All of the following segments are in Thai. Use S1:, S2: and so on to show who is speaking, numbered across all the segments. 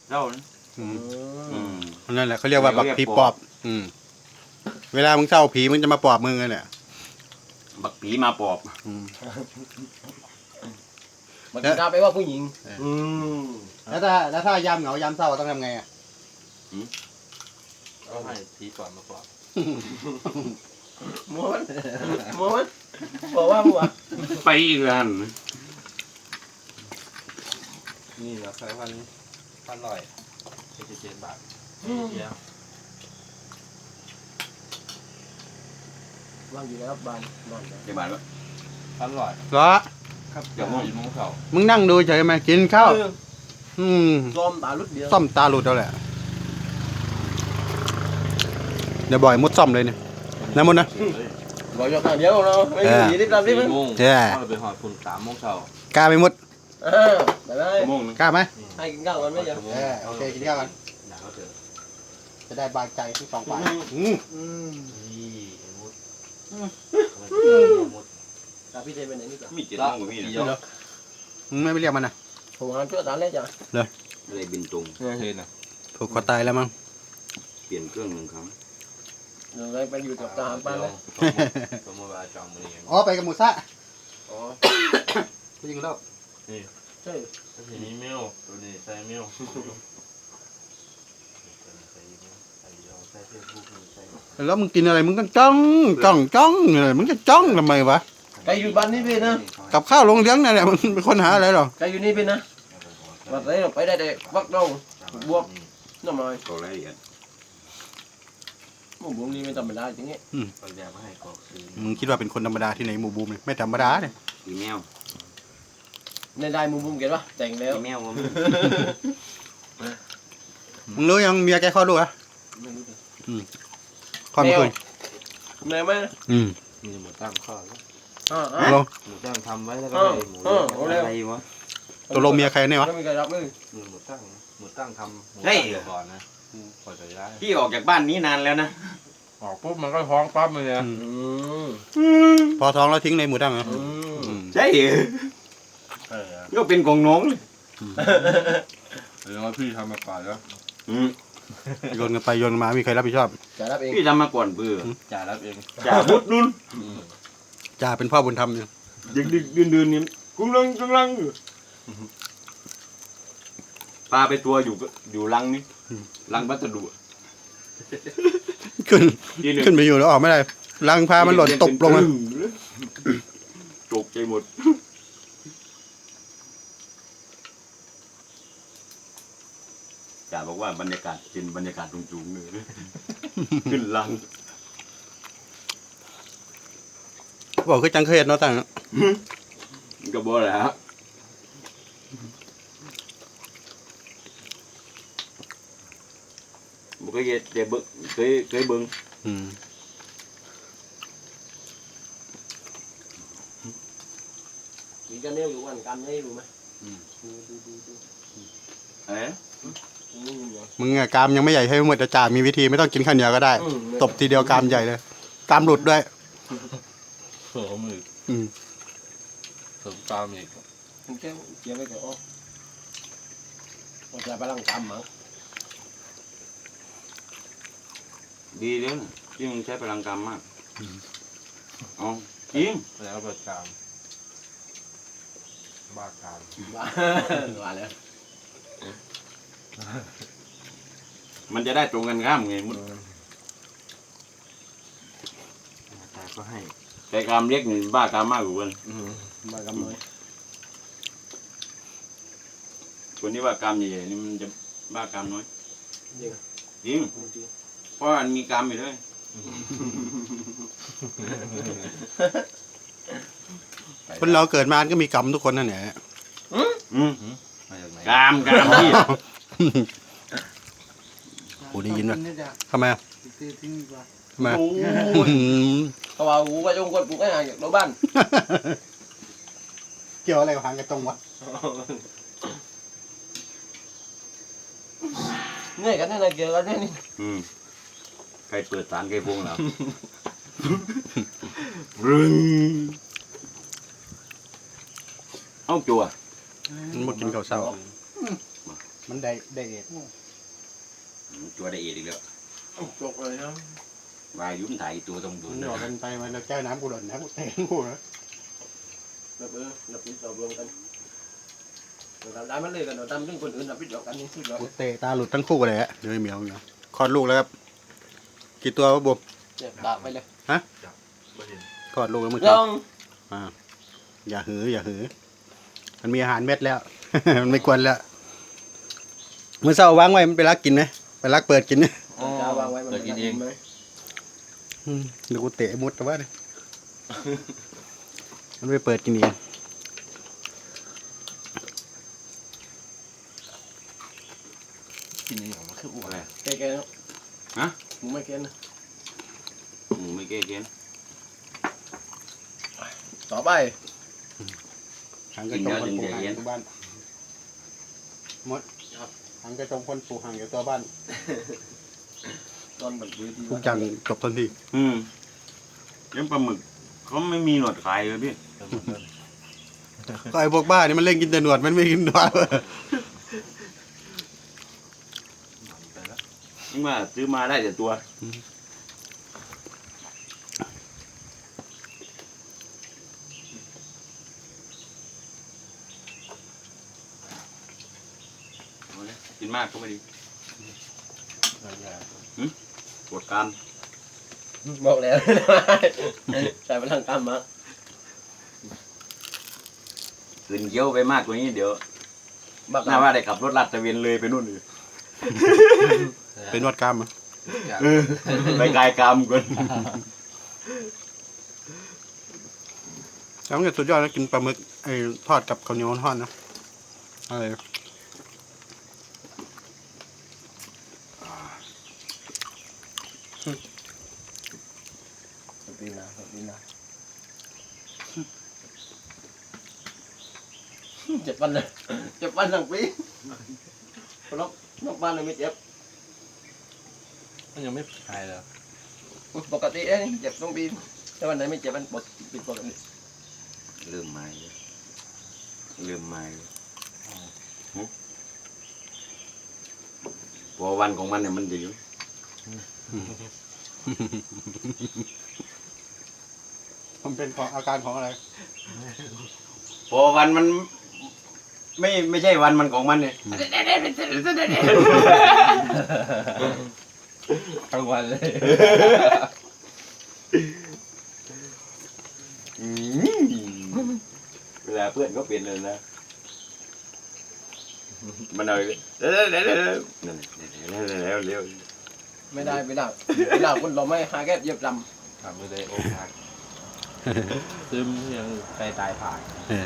S1: เจ้า
S2: นั่นแหละเขาเรียกว่าบักผีปอบเวลามึงเศร้าผีมึงจะมาปอบมึงเลยเนี่ย
S1: บักผีมาปอบ
S3: มันจะได้ไปว่าผู้หญิง
S2: แล้วถ้ายามเหงายามเศร้าต้องทำไงอ่ะ
S4: ก็ให้ผีก่อนมาปอบ
S3: ม้วนบอกว่าหัว
S1: ไปอีกแล้ว
S4: นี่นะใส่พันลอย77 บาทเยอะ
S3: วางอยู่แล้วบ้านนอน
S1: จะบาทวะ
S4: พันลอย
S2: เหรอ
S4: ครับเดี๋ยว4 โมงเช้า
S2: มึงนั่งดูเฉยไหมกินข้าว
S3: ซ่อมตาลุดเดียว
S2: ซ่อมตาหลุดแล้วแหละเดี๋ยวบ่อยมุดซ่อมเลยเนี่ยนะมุดนะ
S3: บอกยกเดียวเราไม่มีรีบๆ
S4: 4 โมงเราไปหอดคุณ3 โมงเช้าก
S2: ล้าไหมมุด
S3: ได้
S2: กล้าไหม
S3: ให้กินข้าวกันไหมจ๊ะ
S2: โอเคกินข้าวกันจะได้บางใจทั้ง2 ฝ่าย
S3: พี่เจเป็นไหนนี่จ้ะ
S1: มี7 โมงกับพี่นะ
S2: มึงไม่ไปเรียกมันนะ
S3: ผมงานช่วยตาเล่จ้ะ
S2: เลย
S1: อะไรบินตรง
S4: เห็นนะ
S2: ผูกคอตายแล้วมั้ง
S1: เปลี่ยนเครื่อง1 ครั้ง
S3: เดี๋ยวไปอยู่กับทหารบ้านเลย
S4: สมมติว่าจองมือเอง
S2: อ๋อไปกับหมูซ่าไปยิงแล้ว
S4: นี่
S3: ใช่
S4: ทีนี้มิวตัวนี้ใส่มิว
S2: แล้วมึงกินอะไรมึงต้องจ้องเลยมึงจะจ้องทำไมวะ
S3: ไก่อยู่บ้านนี่เป็นนะ
S2: กับข้าวลงเลี้ยงนั่นแหละมึงเป็นคนหาอะไรหรอ
S3: ไก่อยู่นี่เป็นนะวันไหนไปได้แต่วักดงบวกน้ำลอย
S1: ตัวละเอียด
S3: หมูบุ้มนี่ไม่ธรรมดาจริงๆ
S2: มึงคิดว่าเป็นคนธรรมดาที่ไหนหมูบูมไม่ธรรมดาเนี่ย
S1: อีเมล
S3: ได้หมูบุ้มเก็บปะแต่งแล้ว
S1: อีเมล
S2: มึงรู้ยังเมียแกคลอดลูกอ่ะคลอดเมื่อคืน
S3: เหนื่อยไหม
S4: มีหมูตั้งข้อแล้วหมูตั้งทำไว้แล้วก็หมู
S1: อะไรวะ
S2: ตัวลงเมียใครเนี่ยวะ
S3: ไม่มีใครรับเลย
S4: หมูตั้งทำก่อนนะพอจะได้
S1: พี่ออกจากบ้านนี้นานแล้วนะ
S4: ออกปุ๊บมันก็ท้องปั๊บเลยเนี่ย
S2: พอท้องแล้วทิ้งในหมูตั้งเหรอ
S1: ใช่ก็เป็นของน้องเลย
S4: เดี๋ยวพี่ทำมาก่อนแล้ว
S2: โยนกันไปโยนมามีใครรับผิดชอบ
S3: จ่ารับเอง
S1: พี่ทำมาก่อนเบื่อ
S4: จ่ารับเอง
S1: จ่าบุดนุ่น
S2: จ่าเป็นพ่อบุญธรรมอยู่
S1: ดึกเดือนนี้กุ้งลังปลาไปตัวอยู่ลังนี่ลังวัสดุ
S2: ขึ้นไปอยู่แล้วออกไม่ได้ลังพามันหล่นตกลงมา
S1: ตกใจหมดจ่าบอกว่าบรรยากาศเป็นบรรยากาศสูงๆเลยขึ้นลัง
S2: บอกคือจังเคยเห็นเนาะตั้ง
S1: ก็บอกแหละบอกเคยเห็นเดี๋ยวเคยเบิ้ง
S3: มีกันเนี่ยอยู่วันกันไม่รู้ไหม
S2: มึงอะกามยังไม่ใหญ่ให้หมดแต่จ่ามีวิธีไม่ต้องกินข้าวเหนียวก็ได้ตบทีเดียวกามใหญ่เลยกามหลุดด้วย
S4: เสริมอีกเสริมตามอีก
S3: มึงแค่เกี่ยวไปกับโอ้จะไปลังกามมั้ง
S1: ดีเลยที่มึงใช้พลังกรรมมากอ๋อจริง
S4: แล้วประจามบ้ากาม
S3: ว่าแล้ว
S1: มันจะได้ตรงกันข้ามไงมุด
S4: แต่ก็ให้
S1: แต่กรรมเล็กนี่บ้ากรรมมากกว่าคน
S3: บ้ากรรมน้อย
S1: คนที่ว่ากรรมใหญ่ๆนี่มันจะบ้ากรรมน้อยจริงเพราะมันมีกรรมอยู่ด้วย
S2: คนเราเกิดมาก็มีกรรมทุกคนนั่นแหละ
S1: กรรมที่
S2: โอ้ได้ยินป่ะทำไมอ่ะทำไม
S3: เขาว่ากูไปจงกดกูก็หาจากรถบ้าน
S2: เกี่ยวอะไรกับหางกระจงวะ
S3: เนี่ยกันนี่นะเกี่ยวกันนี่
S1: ใครเปิดสารใครพวงแล้วรึงเอาจั่ว
S2: มันกินข้าวเช้ามันได้เอ็ด
S1: ตัวได้เอ็ดอีกแล้ว
S3: จกเลยนะ
S1: วายยุ่มถ่ายตัวตรงดู
S2: มันหยอกกันไปมันแก้วน้ำกูหล่นนะกูเตะกูนะ
S3: แบบนับพิษเรารวมกันเราได้มันเลยกันเราทำเรื่องคนอื่นนับพิษเรากันนี่สุดยอด
S2: กูเตะตาหลุดทั้งคู่เลยฮะเดี๋ยวไอ้เหมียวเนาะคลอดลูกแล้วครับกี่ตัววะบวม
S3: เจ็บตาไปเลย
S4: บ่เห็น
S2: คลอดลูกแล้วมึง
S3: ลอง
S2: อย่าหือมันมีอาหารเม็ดแล้ว มันไม่ควรแล้วเมื่อเช้าวางไว้มันไปรักกินไหมไปรักเปิดกินไหม
S3: จะวางไว้มัน
S4: เดี๋ยวกินเอง
S3: ไหม
S2: เดี๋ยวกูเตะมุดแต่ว่าเนี่ยมันไปเปิดกินเอง
S4: กินอย่างมันคืออ้วน
S1: อะไร
S3: แกๆเนาะ
S1: ฮะ
S3: หมูไม่แกนะ
S1: หมูไม่เก้เกน
S3: ต่อไป
S2: หางกระจงคนปลูกหางอยู่ตัวบ้านมดหางกระจงคนปลูกหางอยู่ตัวบ้าน
S3: ตอนแบบวิธี
S2: ทุกอย่างจบทันที
S1: เลี้ยงปลาหมึกเขาไม่มีหนวดขายเลยพี่
S2: ก็ไอ้พวกบ้านี่มันเล่นกินแต่หนวดมันไม่กินหนวด
S4: ไปแล้ว
S1: นี่ว่าซื้อมาได้แต่ตัวเอาเลยกินมากก็ไม่ดีปวดกราม
S3: บอกแล้วใส่พลังกรรมมา
S1: คืนเคี้ยวไปมากกว่านี้เดี๋ยว
S3: บัก
S1: น่าว่าได้ขับรถลาดตระเวนเลยไปนู่นเลย
S2: เป็นนวดกล้ามอ่ะ
S1: ไปกายกรรมก่อน
S2: แล้วมันก็สุดยอดนะกินปลาหมึกไอ้ทอดกับข้าวเหนียวทอดนะอะไร
S3: ปีนาเจ็บวันเลยเจ็บวันทั้งปีนอกบ้านเลยไม่เจ็บ
S4: มันยังไม่หายเลย
S3: ปกติเองเจ็บต้องปีแต่วันไหนไม่เจ็บมันปิดปกติ
S1: เริ่มมาเลยเริ่มมาเลยพอวันของมันเนี่ยมันดี
S2: มันเป็นของอาการของอะไร
S1: พอวันมันไม่ใช่วันมันของมันเนี่ย
S4: ทั้งวันเลย
S1: เวลาเพื่อนก็เปลี่ยนเลยนะมันเอานั่นเร็ว
S3: ไม่ได้คนเราไม่หาแก้เย็บล
S4: ทำไม่ได้โอ้หักซึมยังใจตายผ่าน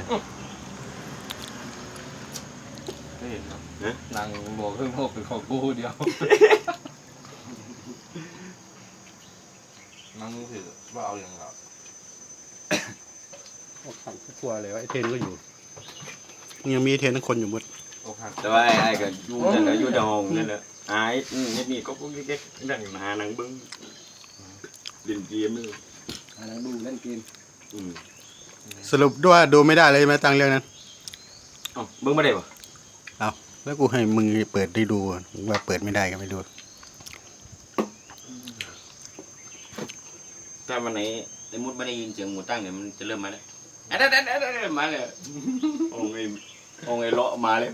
S4: ไม่เห็นเนาะนางบอกเพิ่งพกเป็นของกูเดียวนั่งถือว่าเอาอย่างเรา
S2: โอ้ขังกลัวเลยว่าไอ้เทนก็อยู่ยังมีไอ้เทนทั้งคนอยู่หมด
S4: โอ้หัก
S1: แต่ว่าไอ้ก็อยู่นั่นแหละอยู่ดองนั่นแหละไอ้นี่ก็แค่นั่งหาหนังเบิ้งเล่นเกมเลย
S3: ำนั่งดูเล่นเกม
S2: สรุปด้วยดูไม่ได้เลยไหมตังเรื่องนั้น
S1: เบิ้งไม่ได้ปะ
S2: แล้วกูให้มึงเปิดได้ดูว่าเปิดไม่ได้ก็ไม่ดู
S1: ถ้าวันไหนไอ้มุดไม่ได้ยินเสียงหมูตั้งเนี่ยมันจะเริ่มมาแล้วมาเลยองไอ้เลาะมาเลย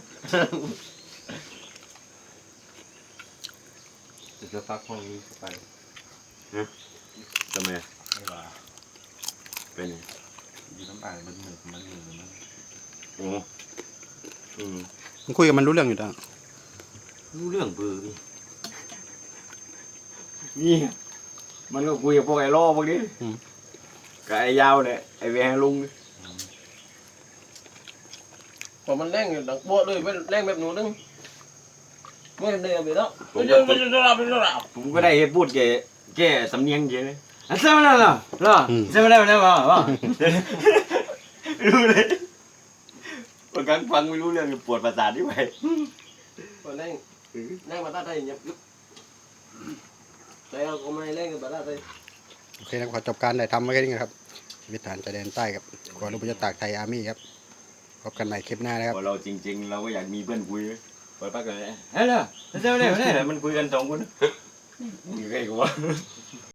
S4: จะซักห้องนี้ไป
S1: ทำไม
S4: ไม่ว่า
S1: เป็น
S4: ดีน้ำตาลมันเหมือนมันเหมือนมัน
S1: โอ้
S2: มึงคุยกับมันรู้เรื่องอยู่ตัง
S1: รู้เรื่องเบอร์นี่มันก็คุยกับพวกไอ้ล่อพวกนี้กับไอ้ยาวเนี่ยไอ้แวงลุง
S3: พอมันแรงอยู่ดังโบ๊ะเลยแรงแบบหนูนึงไม่ได้ไปแล้ว
S1: ผมก็ได้พูดแกสำเนียงเยอะเลยใช่ไหมล่ะใช่ไหมล่ะรู้เลยบางครั้งฟังไม่รู้เรื่องปวดประสาทที่ไหน
S3: พอแรงมาตัดได้ยังยึบแต่เราก็ไม่แรงกับตัดได้
S2: โอเคนะขอจบการได้ทำไว้แค่นี้ครับชีวิตฐานชายแดนใต้ครับกองทัพเรือตากไทยอาร์มี่ครับพบกันใหม่คลิปหน้านะครับ
S1: พอเราจริงๆเราก็อยากมีเพื่อนคุยเปิดปากกันเลยเฮ้ยล่ะเจ้าเนี่ยมันคุยกันสองคนมีใครกูวะ